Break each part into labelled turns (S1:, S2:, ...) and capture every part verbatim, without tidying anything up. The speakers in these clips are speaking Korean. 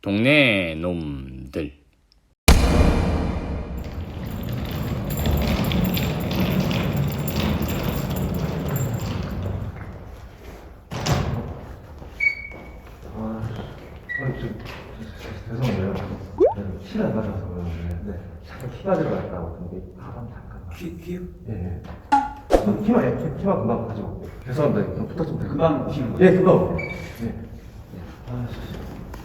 S1: 동네 놈들.
S2: 죄송해요. 키를 안 가져와서 그러는데 네. 잠깐 키 가지러 갔다고 근데 가방 잠깐만. 키? 키요? 예, 예. 어, 키만, 예, 키, 키만 금방 가지고 올게요. 죄송합니다. 좀 부탁 좀 드릴게요. 금방 오시는 거예요? 예, 금방 올게요. 예. 예. 아, 씨.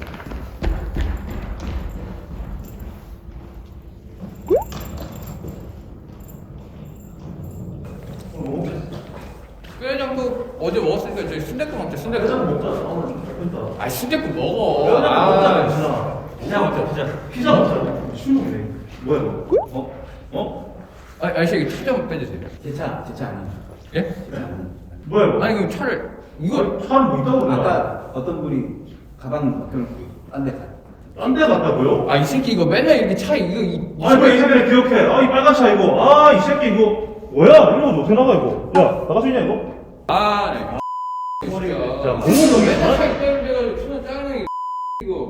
S1: 뼈장국 어제 먹었으니까 저희 순댓국 먹자. 순댓국.
S2: 회장 먹자. 아,
S1: 아 순댓국 먹어.
S2: 회장
S1: 아,
S2: 먹자. 피자. 피자 먹자. 피자. 피자 먹자. 슈놈이네. 뭐야 이거? 어? 어?
S1: 아, 아저씨 이거 차 좀 빼주세요.
S3: 제 차, 제 차 아니에요.
S1: 예?
S2: 뭐야 이거?
S1: 아니 그럼 차를 이거
S2: 차는 뭐 있다고 그래?
S3: 아까 어떤 분이 가방 맡겨놓고 딴데 가.
S2: 딴데 갔다고요?
S1: 아 이 새끼 이거 맨날 이렇게 차 이거 이, 이
S2: 아니 왜이 새끼를 기억해? 아 이 빨간 차 이거. 아 이 새끼 이거 뭐야? 이런 거 어떻게 나가 이거? 야 나갈 수 있냐 이거?
S1: 아, 네.
S2: 머리가
S1: 진짜.
S2: 진짜
S1: 공무원 맨날 차 있다는 데가 순간 짜증나게 이거.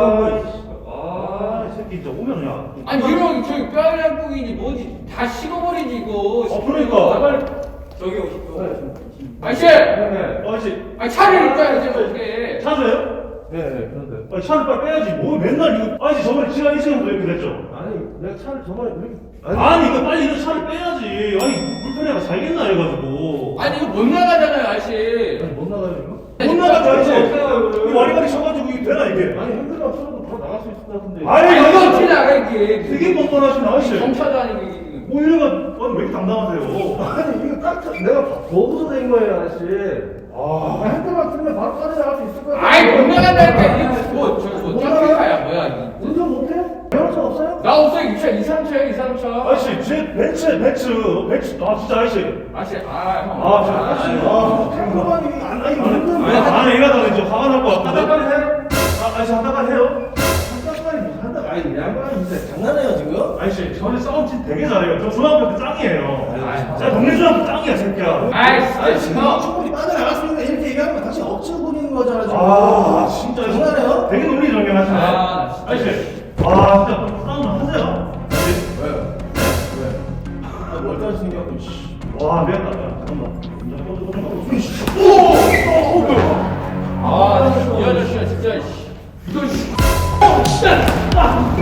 S2: 아이 새끼 진짜 오면 그냥.
S1: 아니 이런 저기 뼈장국이지 뭐지 다 식어버리지 이거.
S2: 어 그러니까.
S1: 빨리
S3: 저기 오십시오.
S1: 아저씨.
S2: 네네. 아저씨.
S1: 아니 차를 일단 이제 어떻게?
S2: 차세요? 네, 네, 그런데. 아니, 차를 빨리 빼야지. 뭐 맨날 이거. 아니, 저번에 지난 이 시간도 이렇게 됐죠? 아니, 내가 차를 저번에 이렇게. 아니, 아니 이거 빨리 이거 차를 빼야지. 아니, 불편해가 살겠나 해가지고.
S1: 아니 이거 못 나가잖아요 아저씨.
S2: 아니, 못 나가요, 이거? 못 나가죠, 아저씨. 이 와리가리 쳐가지고 이게 되나, 이게? 아니, 핸들만 쳐도 바로 나갈 수 있을 것 같은데.
S1: 아니
S2: 아니,
S1: 이거 어떻게 나가 이게?
S2: 되게 뻔뻔하신 아저씨.
S1: 경차도 아니고 이게.
S2: 뭐 얘가, 아니, 왜 이렇게 당당하세요?
S4: 아니 이거 깜짝 내가 보고서 된 거예요 아저씨.
S2: 아.
S4: 핸들만 틀면 바로 빠져나갈 수 있을 거야.
S1: 아이 못 나간다니까 이게 뭐 저거 뭐 점핑카야 뭐야 이게.
S4: 운전 못해? 배워서 없어요?
S1: 나 없어요 이차 이삼차야 이삼차.
S2: 아저씨, 제 벤츠, 벤츠, 벤츠. 아, 진짜 아저씨.
S1: 아저씨 아 형.
S2: 아, 저 아저씨. 아,
S4: 잠깐만 이게 안 나이
S2: 아니,
S4: 많은데
S2: 아니, 아니, 이러다가 이제 화가 날 것 같은데. 한다까지 해? 아, 아저씨, 한다까지 해요?
S4: 한다까지 무슨 한다? 아니 양반이 진짜 장난해요 지금?
S2: 아저씨, 저는 싸움 진짜 되게 잘해요. 저 중학교 때 짱이에요.
S1: 아이,
S2: 제가 동네 중학교 짱이야, 새끼야.
S1: 아이
S4: 아니
S1: 진짜
S4: 지금
S1: 형.
S4: 충분히 빠져나갈 수 있는데 이렇게 얘기하면 다시 억지로 부리는 거잖아 지금.
S2: 아, 진짜.
S4: 장난해요?
S2: 되게 논리정연하시네.
S1: 아, 진짜.
S2: 아저씨, 아, 진짜 좀 싸움 좀 하세요.
S4: 왜요? 왜? 아, 멀쩡히 생겨갖고 씨.
S2: 와, 미안하다. 잠깐만. 운전 꺼져, 꺼져, 꺼져.
S1: 오! 오 뭐야? 아, 이 아저씨야 진짜. 씨. 이거 씨. 어, 진짜. 아.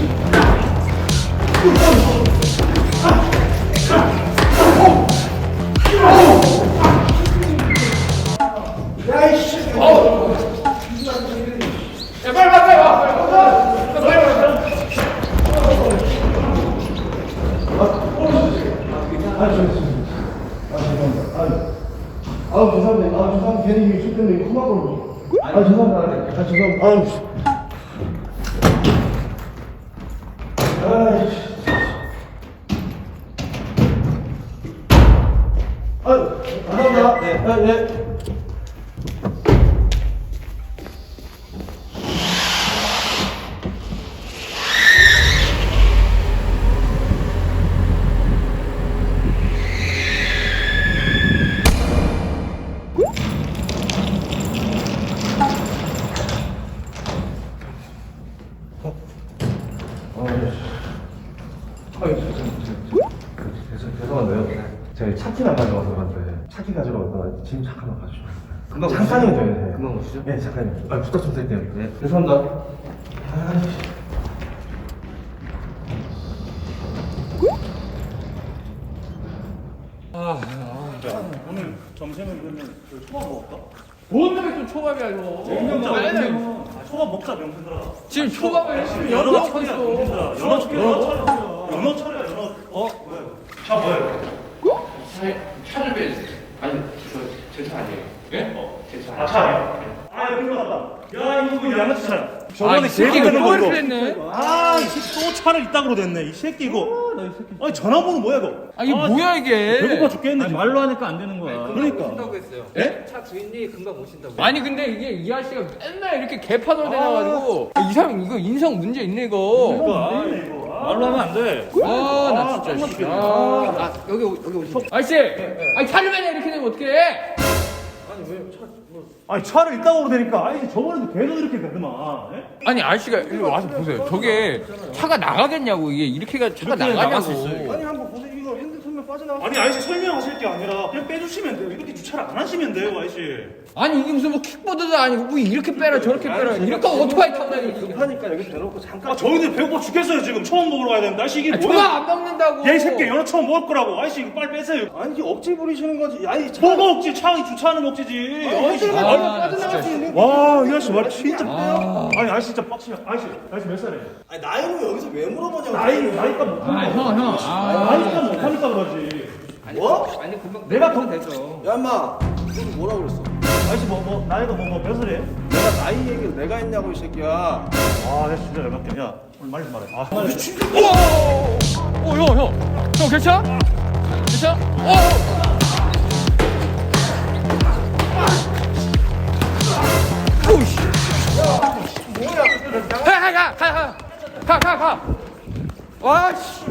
S4: 야이씨.
S1: 어. 야 빨리 빨리 빨리 와. 빨리 와. 빨리 빨리 와.
S4: 아, 저, 아, 죄송합니다. 아, 아, 죄송합니다. 아, 죄송합니다. 괜히 이게 술 때문에 험한 걸로. 아, 죄송합니다. 아, 죄송합니다. 아유, 씨. 아이씨. 아유, 감사합니다. 네, 네, 네.
S2: 죄송한데요. 제가 차키만 가져와서 그런데 차키 가지러 왔다가 지금 잠깐만 가주시면 안 돼요?
S3: 금방
S2: 잠깐이면
S3: 오시죠?
S2: 돼요. 네.
S3: 금방 오시죠?
S2: 네, 잠깐만요. 아, 부탁 좀 드릴게요.
S3: 네.
S2: 죄송합니다. 아이씨. 오늘 점심은 그러면 그 초밥 먹을까?
S1: 뭔 놈이 또 초밥이야 이거.
S2: 먹자,
S1: 맨날
S2: 명품. 아, 초밥 먹자, 명품들아.
S1: 지금 초밥을 지금
S2: 연어
S1: 연어
S2: 차려,
S1: 있어.
S2: 명품들아. 연어 차려, 연어 차려. 연어 차려, 연어. 어? 뭐야? 차 뭐야?
S1: 차, 차를 빼주세요. 아니, 저, 제 차 아니에요. 예? 어, 제 차.
S2: 아, 차야? 아, 여기 나왔다. 야, 이거 뭐 양아치 차야.
S1: 아, 이 새끼가 또 이렇게 됐네.
S2: 아, 이 새끼 또 차를 이따구로 됐네. 이 새끼 이거. 나 이 새끼. 아니, 전화번호 뭐야, 이거?
S1: 아, 이게 뭐야 이게?
S2: 배고파 죽겠네.
S3: 아니, 말로 하니까 안 되는 거야.
S2: 그러니까.
S3: 오신다고 했어요.
S1: 예?
S3: 차 주인이 금방 오신다고.
S1: 아니 근데 이게 이 아저씨가 맨날 이렇게 개파도 되나가지고 이 사람 이거 인성 문제 있네 이거.
S2: 이거, 이거.
S3: 말로 하면 안 돼.
S1: 아, 나
S2: 아,
S1: 진짜. 씨.
S2: 깜빡이네.
S1: 아,
S3: 아, 여기 오- 여기 오시죠.
S1: 아저씨, 아니 차를 맨날 이렇게 되면 어떡해?
S4: 아니 차를 이따가 오르되니까 아니 저번에도 계속 이렇게 되더만. 예?
S1: 아니 아저씨가 일로 와서 보세요. 저게 차가 나가겠냐고. 이게 이렇게가 차가 나가냐고.
S4: 아니 한번 보세요. 이거 핸드폰면 빠져나가. 아니 아저씨 설명하실 게 아니라 그냥 빼주시면 돼요. 이렇게 주차를 안 하시면 돼요, 아저씨.
S1: 아니 이게 무슨 뭐 킥보드도 아니고 뭐 이렇게 빼라 저렇게 빼라. 이렇게 오토바이 타고 다니지.
S4: 급하니까 여기 대놓고 잠깐. 아 저희들 배고파 죽겠어요 지금. 처음 먹으러 가야 되는데 아저씨 이게
S1: 아,
S4: 뭐야?
S1: 저거 안 먹는다고.
S4: 얘 새끼 연어 처음 먹을 거라고. 아저씨 이거 빨리 빼세요. 아니 이게 억지 부리시는 거지. 아니 뭐가 억지? 차 주차하는 억지지. 아저씨
S1: 아,
S4: 얼마
S1: 빠져나갈 수 있는.
S4: 와, 이 아저씨 말 진짜 빼요. 아니, 아저씨 진짜 빡치면. 아저씨, 아저씨 몇 살이에요?
S3: 아니 나이는 여기서 왜 물어보냐고.
S4: 나이, 나이가 못
S1: 아, 형, 형. 아,
S4: 나이가 못하니까 그러지.
S3: 뭐?
S1: 아니 금방
S4: 내가 더
S1: 됐어.
S3: 야 인마 너 뭐라 그랬어?
S4: 아저씨 뭐, 뭐, 나이가 뭐, 뭐, 몇 살이에요?
S3: 내가 나이 얘기를 내가 했냐고 이 새끼야.
S4: 아, 내 진짜 열받게. 야, 오늘 말좀 말해. 아, 미친.
S1: 오, 오, 형, 형, 형 괜찮아? 괜찮아? 오. 오씨. 뭐야? 가, 가, 가, 가, 가, 가, 가. 와, 씨.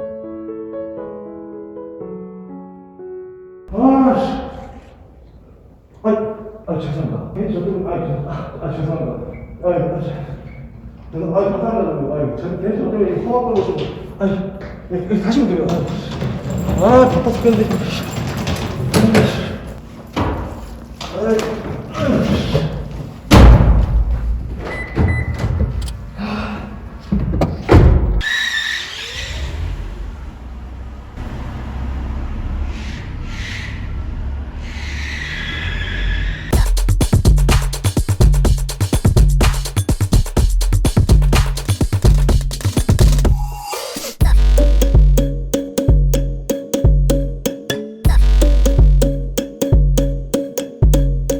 S4: 아씨. 아이, 아, 죄송합니다. 괜히 저 때문에, 아이, 죄송, 아, 아, 죄송합니다. 아이, 아, 죄송, 아이, 감사합니다. 아이, 저, 괜히 저 때문에 허락 걸고 좀, 아이, 네, 다시 오세요. 아, 바빠 죽겠는데.